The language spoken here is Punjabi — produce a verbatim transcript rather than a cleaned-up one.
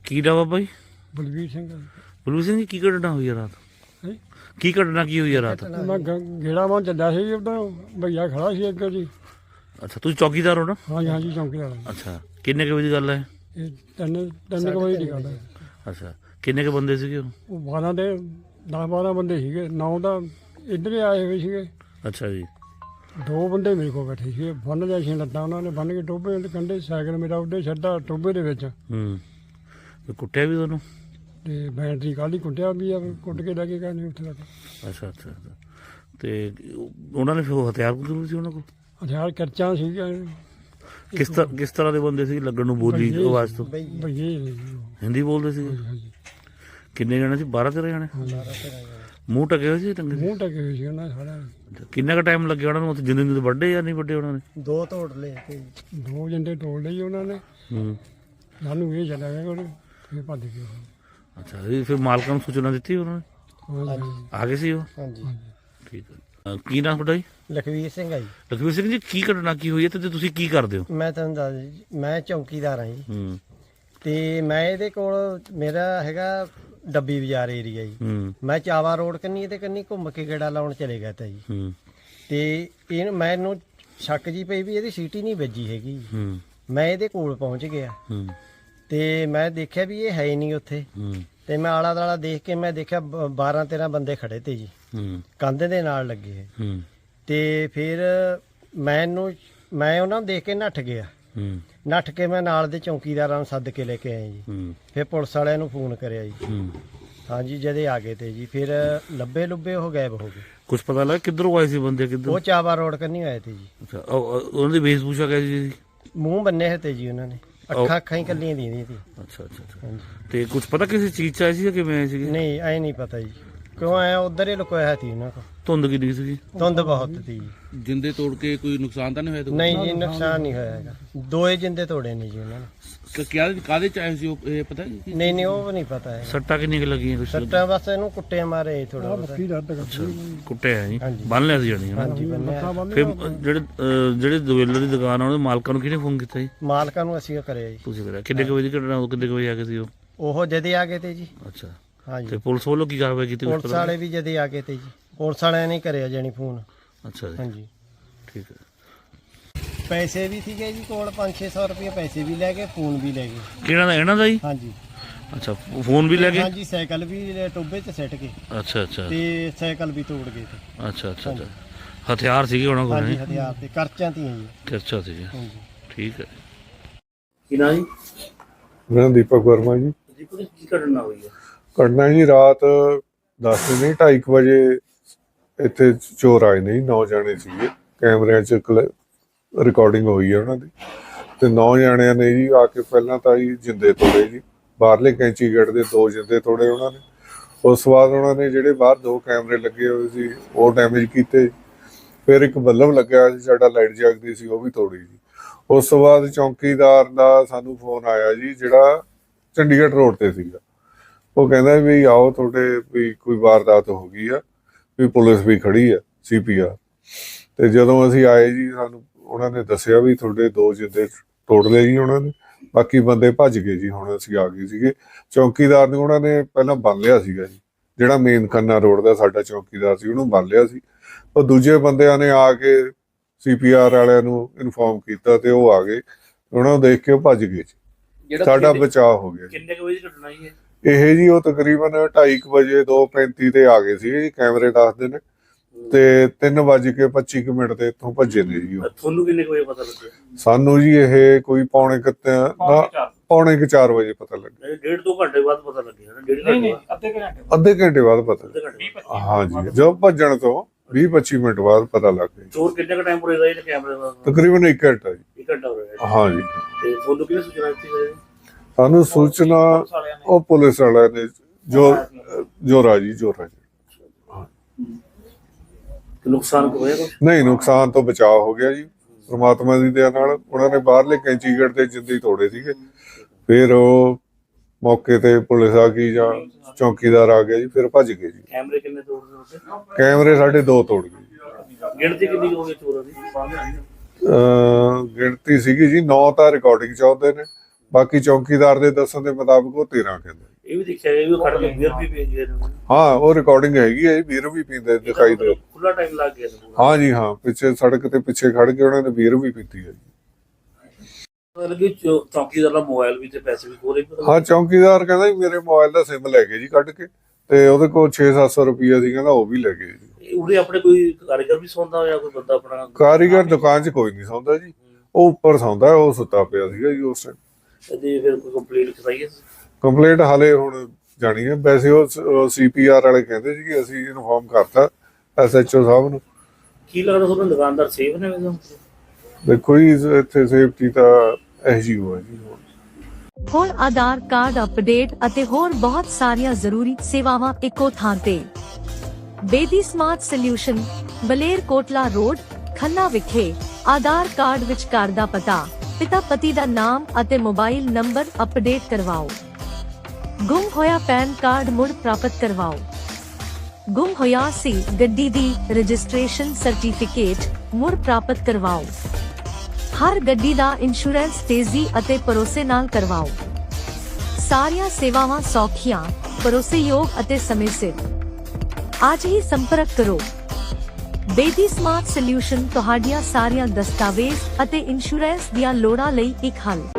ਕੀ ਨਾਮ ਆ ਬਾਈ? ਬਲਵੀਰ ਸਿੰਘ। ਬਲਵੀਰ ਸਿੰਘ ਜੀ, ਕੀ ਘਟਨਾ ਹੋਈ ਆ ਰਾਤ? ਹੈਂ? ਕੀ ਘਟਨਾ ਕੀ ਹੋਈ ਆ ਰਾਤ? ਮੈਂ ਗ- ਗੇੜਾ ਮਾਂ ਚੱਲਿਆ ਸੀ ਉਦੋਂ ਭਈਆ ਖੜਾ ਸੀ ਅੱਗੇ ਜੀ। ਅੱਛਾ, ਤੁਸੀਂ ਚੌਕੀਦਾਰ ਹੋ ਨਾ? ਹਾਂਜੀ ਹਾਂਜੀ ਚੌਂਕੀਦਾਰ। ਅੱਛਾ, ਕਿੰਨੇ ਕੁ ਵਜੇ ਦੀ ਗੱਲ ਹੈ? ਇਹ ਤਿੰਨ ਤਿੰਨ ਕੁ ਵਜੇ ਦੀ ਗੱਲ ਹੈ। ਅੱਛਾ, ਕਿੰਨੇ ਕੁ ਬੰਦੇ ਸੀਗੇ ਉਹ? ਉਹ ਬਾਰਾਂ ਦੇ ਦਸ ਬਾਰਾਂ ਬੰਦੇ ਸੀਗੇ। ਨੌ ਤਾਂ ਇੱਧਰ ਹੀ ਆਏ ਹੋਏ ਸੀਗੇ। ਅੱਛਾ ਜੀ। ਦੋ ਬੰਦੇ ਮੇਰੇ ਕੋਲ ਬੈਠੇ ਸੀਗੇ। ਬੰਨ ਲਿਆ ਸੀ ਲੱਤਾਂ ਉਹਨਾਂ ਨੇ, ਬੰਨ ਕੇ ਟੋਭੇ ਦੇ ਕੰਢੇ ਸਾਈਕਲ ਮੇਰਾ ਉੱਡੇ ਛੱਡਾ ਟੋਭੇ ਦੇ ਵਿੱਚ। ਹੂੰ, ਤੇ ਕੁੱਟਿਆ ਵੀ ਤੁਹਾਨੂੰ? ਤੇ ਬੈਟਰੀ ਕਾਹਲੀ ਕੁੱਟਿਆ ਵੀ ਆ, ਕੁੱਟ ਕੇ ਲੈ ਕੇ ਗਏ ਨੇ ਉੱਥੇ ਤੱਕ। ਅੱਛਾ ਅੱਛਾ ਅੱਛਾ। ਤੇ ਉਹਨਾਂ ਨੇ ਫਿਰ ਉਹ ਹਥਿਆਰ ਜ਼ਰੂਰ ਸੀ ਉਹਨਾਂ ਕੋਲ? ਹਥਿਆਰ ਕਰਚਾਂ ਸੀਗੀਆਂ। ਕਿਸ ਤਰ੍ਹਾਂ ਕਿਸ ਤਰ੍ਹਾਂ ਦੇ ਬੰਦੇ ਸੀ ਲੱਗਣ ਨੂੰ ਬੋਲੀ ਆਵਾਜ਼ ਤੋਂ? ਭਈਏ ਨੇ ਜੀ ਉਹ। ਹਿੰਦੀ ਬੋਲਦੇ ਸੀ? ਹਾਂਜੀ। ਕਿੰਨੇ ਜਣੇ ਸੀ? ਬਾਰਾਂ ਤੇਰਾਂ ਜਣੇ? ਮੂੰਹ ਟਕੇ ਹੋਏ ਸੀ? ਟੰਗੇ ਸੀ? ਮੂੰਹ ਟਕੇ ਹੋਏ ਸੀ ਉਹਨਾਂ ਦੇ ਸਾਰਿਆਂ ਦੇ। ਅੱਛਾ, ਕਿੰਨਾ ਕੁ ਟਾਈਮ ਲੱਗਿਆ ਉਹਨਾਂ ਨੂੰ ਉੱਥੇ? ਜਿੰਦੇ ਜਿੰਦੇ ਵੱਡੇ ਜਾਂ ਨਹੀਂ ਵੱਡੇ ਉਹਨਾਂ ਨੇ? ਦੋ ਤੋੜ ਲਏ ਤੇ ਦੋ ਜੰਡੇ ਤੋੜ ਲਈ ਉਹਨਾਂ ਨੇ। ਹੂੰ। ਸਾਨੂੰ ਇਹ ਚੱਲਿਆ ਗਿਆ ਉਹਨੇ, ਫਿਰ ਭੱਜ ਗਏ ਉਹ। ਅੱਛਾ, ਇਹ ਫਿਰ ਮਾਲਕਾਂ ਨੂੰ ਸੂਚਨਾ ਦਿੱਤੀ ਉਹਨਾਂ ਨੇ? ਹਾਂਜੀ ਆ ਗਏ ਸੀ ਉਹ? ਹਾਂਜੀ। ਠੀਕ ਹੈ। ਅਹ ਕੀ ਨਾਮ ਤੁਹਾਡਾ ਜੀ? ਲਖਵੀਰ ਸਿੰਘ ਆ ਜੀ। ਲਖਵੀਰ ਸਿੰਘ ਜੀ, ਕੀ ਘਟਨਾ ਕੀ ਹੋਈ ਹੈ ਤੇ ਤੁਸੀਂ ਕੀ ਕਰਦੇ ਹੋ? ਮੈਂ ਤੁਹਾਨੂੰ ਦੱਸ ਦਿਆਂ ਜੀ, ਮੈਂ ਚੌਕੀਦਾਰ ਹਾਂ ਜੀ। ਹੂੰ ਤੇ ਮੈਂ ਇਹਦੇ ਕੋਲ ਮੇਰਾ ਹੈਗਾ ਡੱਬੀ ਬਾਜ਼ਾਰ ਏਰੀਆ ਜੀ। ਹੂੰ ਮੈਂ ਚਾਵਾ ਰੋਡ ਕੰਨੀ ਤੇ ਕੰਨੀ ਘੁੰਮ ਕੇ ਗੇੜਾ ਲਾਉਣ ਚਲੇ ਗਿਆ ਤਾ ਜੀ। ਹੂੰ ਤੇ ਇਹ ਮੈਨੂੰ ਸ਼ੱਕ ਜੀ ਪਈ ਵੀ ਇਹਦੀ ਸੀਟੀ ਨਹੀਂ ਵੱਜੀ ਹੈਗੀ ਜੀ। ਹੂੰ ਮੈਂ ਇਹਦੇ ਕੋਲ ਪਹੁੰਚ ਗਿਆ ਹੂੰ ਤੇ ਮੈਂ ਦੇਖਿਆ ਵੀ ਇਹ ਹੈ ਹੀ ਨਹੀਂ ਉੱਥੇ। ਹੂੰ ਤੇ ਮੈਂ ਆਲਾ ਦਾਲਾ ਦੇਖ ਕੇ ਮੈਂ ਦੇਖਿਆ ਬਾਰਾਂ ਤੇਰਾਂ ਬੰਦੇ ਖੜੇ ਤੇ ਜੀ, ਹੂੰ ਕੰਧ ਦੇ ਨਾਲ ਲੱਗੇ। ਹੂੰ ਤੇ ਫਿਰ ਮੈਨੂੰ ਮੈਂ ਉਹਨਾਂ ਨੂੰ ਦੇਖ ਕੇ ਨੱਠ ਗਿਆ। ਹੂੰ ਨੱਠ ਕੇ ਮੈਂ ਨਾਲ ਦੇ ਚੌਕੀਦਾਰਾਂ ਨੂੰ ਸੱਦ ਕੇ ਲੈ ਕੇ ਆਇਆ ਜੀ। ਹੂੰ ਫਿਰ ਪੁਲਿਸ ਵਾਲਿਆਂ ਨੂੰ ਫੋਨ ਕਰਿਆ ਜੀ। ਹੂੰ ਹਾਂਜੀ, ਜਦੇ ਆ ਗਏ ਤੇ ਜੀ। ਫਿਰ ਲੱਭੇ ਲੁੱਬੇ ਉਹ ਗਾਇਬ ਹੋ ਗਏ। ਕੁਝ ਪਤਾ ਲੱਗਾ ਕਿੱਧਰੋਂ ਆਏ ਸੀ ਬੰਦੇ? ਕਿੱਧਰ? ਉਹ ਚਾਵਾ ਰੋਡ ਕੰਨੀ ਆਏ ਤੇ ਜੀ। ਅੱਛਾ, ਉਹ- ਉਹ- ਉਹਨਾਂ ਦੀ ਵੇਸ਼ਭੂਸ਼ਾ ਕੈਸੀ ਸੀ? ਮੂੰਹ ਬੰਨੇ ਹੋਏ ਤੇ ਜੀ ਉਹਨਾਂ ਨੇ, ਅੱਖਾਂ ਅੱਖਾਂ ਹੀ ਕੱਲੀਆਂ ਦੀਆਂ ਸੀ। ਅੱਛਾ ਅੱਛਾ ਅੱਛਾ। ਹਾਂਜੀ। ਤੇ ਕੁਝ ਪਤਾ ਕਿਸੇ ਚੀਜ਼ ਚ ਆਏ ਸੀ ਜਾਂ ਕਿਵੇਂ ਆਏ ਸੀਗੇ? ਨਹੀਂ, ਐ ਨਹੀਂ ਪਤਾ ਜੀ ਕਿਉਂ ਆਇਆ, ਉਧਰ ਹੀ ਲੁਕੋਇਆ ਸੀ ਉਹਨਾਂ ਕੋਲ। ਧੁੰਦ ਕਿੰਨੀ ਸੀਗੀ? ਧੁੰਦ ਬਹੁਤ ਸੀ ਜੀ। ਜਿੰਦੇ ਤੋੜ ਕੇ ਕੋਈ ਨੁਕਸਾਨ ਤਾਂ ਨਹੀਂ ਹੋਇਆ? ਨਹੀਂ ਜੀ, ਨੁਕਸਾਨ ਨਹੀਂ ਹੋਇਆ ਹੈਗਾ। ਦੋਏ ਜਿੰਦੇ ਤੋੜੇ ਨੇ ਜੀ ਉਹਨਾਂ ਨੇ। ਕਿ ਕਿਆ ਕਾਹਦੇ ਚ ਆਏ ਸੀ ਉਹ, ਇਹ ਪਤਾ ਕੀ? ਨਹੀਂ ਨਹੀਂ, ਉਹ ਨਹੀਂ ਪਤਾ ਹੈ। ਸੱਟਾਂ ਕਿੰਨੀਆਂ ਕੁ ਲੱਗੀਆਂ? ਕੁਛ ਸੱਟਾਂ ਬਸ ਇਹਨੂੰ ਕੁੱਟੇ ਮਾਰੇ ਥੋੜਾ ਬਹੁਤਾ। ਕੀ ਦਰਦ ਕਰਦੀ ਕੁੱਟਿਆ ਜੀ? ਹਾਂਜੀ। ਬੰਨ ਲਿਆ ਸੀ ਜਾਣੀ ਹਨਾ? ਹਾਂਜੀ ਬੰਨਿਆ। ਫਿਰ ਜਿਹੜੇ ਅਹ, ਜਿਹੜੇ ਦੁਵੇਲਰ ਦੀ ਦੁਕਾਨ ਆ ਉਹਦੇ ਮਾਲਕਾਂ ਨੂੰ ਕਿਹਨੇ ਫੋਨ ਕੀਤਾ ਜੀ? ਮਾਲਕਾਂ ਨੂੰ ਅਸੀਂ ਉਹ ਕਰਿਆ ਜੀ। ਤੁਸੀਂ ਕਰਿਆ? ਕਿੰਨੇ ਕੁ ਵਜੇ ਦੀ ਘਟਨਾ? ਉਹ ਕਿੰਨੇ ਕੁ ਵਜੇ ਆ ਗਏ ਸੀ ਉਹ? ਉਹ ਜਦੇ ਆ ਗਏ ਤੇ ਜੀ। ਅੱਛਾ, ਹਾਂਜੀ। ਤੇ ਪੁਲਿਸ ਵੱਲੋਂ ਕੀ ਕਾਰਵਾਈ ਕੀਤੀ? ਕੁਛ ਪੁਲਿਸ ਪਤਾ ਵਾਲੇ ਵੀ ਜਦੇ ਆ ਗਏ ਤੇ ਜੀ। ਪੁਲਿਸ ਵਾਲਿਆਂ ਨੇ ਕਰਿਆ ਜਾਣੀ ਫੋਨ। ਲੱਗਾ? ਅੱਛਾ ਜੀ, ਹਾਂਜੀ। ਠੀਕ ਹੈ। ਪੈਸੇ ਵੀ ਸੀਗੇ ਜੀ ਕੋਲ, ਪੰਜ ਛੇ ਸੌ ਰੁਪਏ ਪੈਸੇ ਵੀ ਲੈ ਗਏ, ਫੋਨ ਵੀ ਲੈ ਗਏ। ਕਿਹਨਾਂ ਦਾ? ਇਹਨਾਂ ਦਾ ਜੀ? ਹਾਂਜੀ ਅੱਛਾ, ਫੋਨ ਵੀ ਲੈ ਗਏ? ਹਾਂਜੀ, ਸਾਈਕਲ ਵੀ ਟੋਬੇ 'ਚ ਸਿੱਟ ਗਏ ਅੱਛਾ ਅੱਛਾ ਤੇ ਸਾਈਕਲ ਵੀ ਤੋੜ ਗਏ ਤੇ। ਅੱਛਾ ਅੱਛਾ ਅੱਛਾ। ਹਥਿਆਰ ਸੀਗੇ ਉਹਨਾਂ ਕੋਲ? ਹਾਂਜੀ, ਨਹੀਂ, ਹਥਿਆਰ ਤੇ ਕਰਚਾਂ ਤੀਆਂ ਜੀ। ਕਿਰਚਾ ਸੀਗੇ। ਹਾਂਜੀ। ਠੀਕ ਹੈ। ਕੀ ਨਾ ਜੀ? ਮੇਰਾ ਦੀਪਕ ਵਰਮਾ ਜੀ। ਦੀਪਕ ਜੀ, ਕੀ ਘਟਨਾ ਹੋਈ ਹੈ? ਘਟਨਾ ਜੀ ਰਾਤ ਦਸ ਨਹੀਂ ਢਾਈ ਕੁ ਵਜੇ ਇੱਥੇ ਚੋਰ ਆਏ ਨੇ ਜੀ। ਨੌ ਜਾਣੇ ਸੀਗੇ, ਕੈਮਰਿਆਂ 'ਚ ਰਿਕਾਰਡਿੰਗ ਹੋਈ ਹੈ ਉਹਨਾਂ ਦੀ। ਤੇ ਨੌ ਜਾਣਿਆਂ ਨੇ ਜੀ ਆ ਕੇ ਪਹਿਲਾਂ ਤਾਂ ਜੀ ਜਿੰਦੇ ਤੋੜੇ ਜੀ, ਬਾਹਰਲੇ ਕੈਂਚੀ ਗੇਟ ਦੇ ਦੋ ਜਿੰਦੇ ਤੋੜੇ ਉਹਨਾਂ ਨੇ। ਉਸ ਤੋਂ ਬਾਅਦ ਉਹਨਾਂ ਨੇ ਜਿਹੜੇ ਬਾਹਰ ਦੋ ਕੈਮਰੇ ਲੱਗੇ ਹੋਏ ਸੀ ਉਹ ਡੈਮੇਜ ਕੀਤੇ। ਫਿਰ ਇੱਕ ਬੱਲਬ ਲੱਗਿਆ ਸੀ ਸਾਡਾ, ਲਾਈਟ ਜਗਦੀ ਸੀ, ਉਹ ਵੀ ਤੋੜੀ ਜੀ। ਉਸ ਤੋਂ ਬਾਅਦ ਚੌਂਕੀਦਾਰ ਦਾ ਸਾਨੂੰ ਫੋਨ ਆਇਆ ਜੀ, ਜਿਹੜਾ ਚੰਡੀਗੜ੍ਹ ਰੋਡ ਤੇ ਸੀਗਾ। ਉਹ ਕਹਿੰਦਾ ਵੀ ਆਓ, ਤੁਹਾਡੇ ਵੀ ਕੋਈ ਵਾਰਦਾਤ ਹੋ ਗਈ ਆ, ਵੀ ਪੁਲਿਸ ਵੀ ਖੜੀ ਆ, ਸੀ ਪੀ ਆਰ। ਤੇ ਜਦੋਂ ਅਸੀਂ ਆਏ ਜੀ, ਸਾਨੂੰ ਉਹਨਾਂ ਨੇ ਦੱਸਿਆ ਵੀ ਤੁਹਾਡੇ ਦੋ ਜਿੰਦੇ ਤੋੜ ਲਏ ਜੀ ਉਹਨਾਂ ਨੇ, ਬਾਕੀ ਬੰਦੇ ਭੱਜ ਗਏ ਜੀ। ਹੁਣ ਅਸੀਂ ਆ ਗਏ ਸੀਗੇ। ਚੌਂਕੀਦਾਰ ਨੂੰ ਉਹਨਾਂ ਨੇ ਪਹਿਲਾਂ ਬੰਨ ਲਿਆ ਸੀਗਾ ਜੀ, ਜਿਹੜਾ ਮੇਨ ਖੰਨਾ ਰੋਡ ਦਾ ਸਾਡਾ ਚੌਂਕੀਦਾਰ ਸੀ, ਉਹਨੂੰ ਬੰਨ ਲਿਆ ਸੀ। ਉਹ ਦੂਜੇ ਬੰਦਿਆਂ ਨੇ ਆ ਕੇ ਸੀ ਪੀ ਆਰ ਵਾਲਿਆਂ ਨੂੰ ਇਨਫੋਰਮ ਕੀਤਾ ਤੇ ਉਹ ਆ ਗਏ। ਉਹਨਾਂ ਨੂੰ ਦੇਖ ਕੇ ਉਹ ਭੱਜ ਗਏ ਜੀ। ਸਾਡਾ ਬਚਾਅ ਹੋ ਗਿਆ। ਕਿੰਨੇ ਕੁ ਵਜੇ ਦੀ ਘਟਨਾ ਜੀ ਇਹ? ਇਹ ਜੀ ਉਹ ਤਕਰੀਬਨ ਢਾਈ ਕੁ ਵਜੇ ਦੋ ਪੈਂਤੀ ਤੇ ਆ ਗਏ ਸੀ ਜੀ, ਕੈਮਰੇ ਦੱਸਦੇ ਨੇ। ਤੇ ਤਿੰਨ ਵੱਜ ਕੇ ਪੱਚੀ ਕੁ ਮਿੰਟ ਤੇ ਇੱਥੋਂ ਭੱਜੇ ਨੇ ਜੀ ਉਹ। ਤੁਹਾਨੂੰ ਕਿੰਨੇ ਕੁ ਵਜੇ ਪਤਾ ਲੱਗਿਆ? ਸਾਨੂੰ ਜੀ ਇਹ ਕੋਈ ਪੌਣੇ ਕੁ ਤਿ- ਨਾ ਪੌਣੇ ਕੁ ਚਾਰ ਵਜੇ ਪਤਾ ਲੱਗਿਆ। ਡੇਢ ਦੋ ਘੰਟੇ ਬਾਅਦ ਪਤਾ ਲੱਗਿਆ ਨਾ? ਡੇਢ ਘੰਟੇ ਬਾਅਦ? ਅੱਧੇ ਘੰਟੇ ਅੱਧੇ ਘੰਟੇ ਬਾਅਦ ਪਤਾ ਅੱਧੇ ਘੰਟੇ ਬਾਅਦ? ਹਾਂਜੀ, ਜਦੋਂ ਭੱਜਣ ਤੋਂ ਵੀਹ ਪੱਚੀ ਮਿੰਟ ਬਾਅਦ ਪਤਾ ਲੱਗ ਗਿਆ। ਚੋਰ ਕਿੰਨੇ ਕੁ ਟਾਈਮ ਰਹੇਗਾ ਇਹ ਕੈਮਰੇ ਦਾ? ਤਕਰੀਬਨ ਇੱਕ ਘੰਟਾ ਜੀ। ਇੱਕ ਘੰਟਾ ਹੋ ਰਿਹਾ। ਹਾਂਜੀ, ਤੇ ਤੁਹਾਨੂੰ ਕਿਹਨੇ ਸੂਚਨਾ ਦਿੱਤੀ ਹੋਈ? ਸਾਨੂੰ ਸੂਚਨਾ ਉਹ ਪੁਲਿਸ ਵਾਲਿਆਂ ਨੇ, ਜੋ ਜੋਰਾ ਜੀ ਜੋਰਾ ਜੀ। ਨੁਕਸਾਨ ਹੋਇਆ ਕੁਛ? ਨਹੀਂ, ਨੁਕਸਾਨ ਤੋਂ ਬਚਾਅ ਹੋ ਗਿਆ ਜੀ ਪ੍ਰਮਾਤਮਾ ਦੀ ਦਇਆ ਨਾਲ। ਉਹਨਾਂ ਨੇ ਬਾਹਰਲੇ ਕੈਂਚੀ ਗੇਟ ਤੇ ਜਿੰਦੇ ਤੋੜੇ ਸੀਗੇ। ਫਿਰ ਉਹ ਮੌਕੇ ਤੇ ਪੁਲਿਸ ਆ ਗਈ ਜਾਂ ਚੌਕੀਦਾਰ ਆ ਗਿਆ ਜੀ, ਫਿਰ ਭੱਜ ਗਏ ਜੀ। ਕੈਮਰੇ ਕਿੰਨੇ ਤੋੜਦੇ ਹੋਗੇ? ਕੈਮਰੇ ਸਾਡੇ ਦੋ ਤੋੜ ਗਏ। ਗਿਣਤੀ ਕਿੰਨੀ ਹੋ ਗਈ ਚੋਰਾਂ ਦੀ? ਅਹ ਗਿਣਤੀ ਸੀਗੀ ਜੀ ਨੌ ਤਾਂ ਰਿਕਾਰਡਿੰਗ ਚ ਆਉਂਦੇ ਨੇ, ਬਾਕੀ ਚੌਕੀਦਾਰ ਦੇ ਦੱਸਣ ਦੇ ਮੁਤਾਬਕ ਉਹ ਤੇਰਾਂ ਕਹਿੰਦਾ। ਇਹ ਵੀ ਦੇਖਿਆ ਗਿਆ ਵੀ ਉਹ ਖੜ ਕੇ ਬੀਅਰ ਵੀ ਪੀ ਗਏ ਨੇ। ਹਾਂ ਉਹ ਰਿਕਾਰਡਿੰਗ ਹੈਗੀ ਹੈ, ਬੀਅਰ ਵੀ ਪੀਂਦੇ ਦਿਖਾਈ ਦੇ। ਖੁੱਲਾ ਟਾਈਮ ਲੱਗ ਗਿਆ ਸੀ। ਹਾਂ ਜੀ ਹਾਂ, ਪਿੱਛੇ ਸੜਕ ਤੇ ਪਿੱਛੇ ਖੜ ਕੇ ਉਹਨਾਂ ਨੇ ਬੀਅਰ ਵੀ ਪੀਤੀ ਹੈ। ਮਤਲਬ ਕਿ ਚੌ- ਚੌਕੀਦਾਰ ਦਾ ਮੋਬਾਈਲ ਵੀ ਤੇ ਪੈਸੇ ਵੀ ਕੋਲੇ। ਹਾਂ ਚੌਕੀਦਾਰ ਕਹਿੰਦਾ ਵੀ ਮੇਰੇ ਮੋਬਾਈਲ ਦਾ ਸਿਮ ਲੈ ਗਏ ਜੀ ਕੱਢ ਕੇ, ਤੇ ਉਹਦੇ ਕੋਲ ਛੇ ਸੱਤ ਸੌ ਰੁਪਈਆ ਸੀ, ਕਹਿੰਦਾ ਉਹ ਵੀ ਲੈ ਗਏ ਜੀ। ਉਰੇ ਆਪਣੇ ਕੋਈ ਕਾਰੀਗਰ ਵੀ ਸੌਂਦਾ ਹੋਇਆ, ਕੋਈ ਬੰਦਾ ਆਪਣਾ? ਕਾਰੀਗਰ ਦੁਕਾਨ 'ਚ ਕੋਈ ਨਹੀਂ ਸੌਂਦਾ ਜੀ, ਉਹ ਉੱਪਰ ਸੌਂਦਾ, ਉਹ ਸੁੱਤਾ ਪਿਆ ਸੀਗਾ ਜੀ ਉਸ ਟਾਈਮ। ਤੇ ਫਿਰ ਕੋਈ ਕੰਪਲੀਟ ਕਰਾਈ ਹੈ? ਕੰਪਲੇਂਟ ਹਾਲੇ ਹੁਣ ਜਾਣੀ ਹੈ, ਵੈਸੇ ਉਹ ਸੀ ਪੀ ਆਰ ਵਾਲੇ ਕਹਿੰਦੇ ਸੀ ਕਿ ਅਸੀਂ ਇਨਫੋਰਮ ਕਰਤਾ ਐਸ ਐਚ ਓ ਸਾਹਿਬ ਨੂੰ। ਕੀ ਲੱਗਦਾ ਤੁਹਾਨੂੰ ਦੁਕਾਨਦਾਰ ਸੇਫ ਨੇ ਵੈਸੇ? ਦੇਖੋ ਜੀ ਇੱਥੇ ਸੇਫਟੀ ਤਾਂ ਐਸ ਜੀ ਓ ਹੈ ਜੀ। ਹੋਰ ਆਧਾਰ ਕਾਰਡ ਅਪਡੇਟ ਅਤੇ ਹੋਰ ਬਹੁਤ ਸਾਰੀਆਂ ਜ਼ਰੂਰੀ ਸੇਵਾਵਾਂ ਇੱਕੋ ਥਾਂ ਤੇ। Bedi smart solution, Baler Kotla road, Khanna ਵਿਖੇ। ਆਧਾਰ ਕਾਰਡ ਵਿੱਚ ਘਰ ਦਾ ਪਤਾ, ਪਿਤਾ ਪਤੀ ਦਾ ਨਾਮ ਅਤੇ ਮੋਬਾਈਲ ਨੰਬਰ ਅਪਡੇਟ ਕਰਵਾਓ। ਗੁੰਮ ਹੋਇਆ ਪੈਨ ਕਾਰਡ ਮੁੜ ਪ੍ਰਾਪਤ ਕਰਵਾਓ। ਗੁੰਮ ਹੋਇਆ ਸੀ ਗੱਡੀ ਦੀ ਰਜਿਸਟ੍ਰੇਸ਼ਨ ਸਰਟੀਫਿਕੇਟ ਮੁੜ ਪ੍ਰਾਪਤ ਕਰਵਾਓ। ਹਰ ਗੱਡੀ ਦਾ ਇੰਸ਼ੋਰੈਂਸ ਤੇਜ਼ੀ ਅਤੇ ਭਰੋਸੇ ਨਾਲ ਕਰਵਾਓ। ਸਾਰੀਆਂ ਸੇਵਾਵਾਂ ਸੌਖੀਆਂ, ਭਰੋਸੇਯੋਗ ਅਤੇ ਸਮੇਂ ਸਿਰ। ਅੱਜ ਹੀ ਸੰਪਰਕ ਕਰੋ। ਬੇਦੀ ਸਮਾਰਟ ਸੋਲਿਊਸ਼ਨ ਤੁਹਾਡੀਆਂ ਸਾਰੀਆਂ ਦਸਤਾਵੇਜ਼ ਅਤੇ ਇੰਸ਼ੋਰੈਂਸ ਦੀਆਂ ਲੋੜਾਂ ਲਈ ਇੱਕ ਹੱਲ।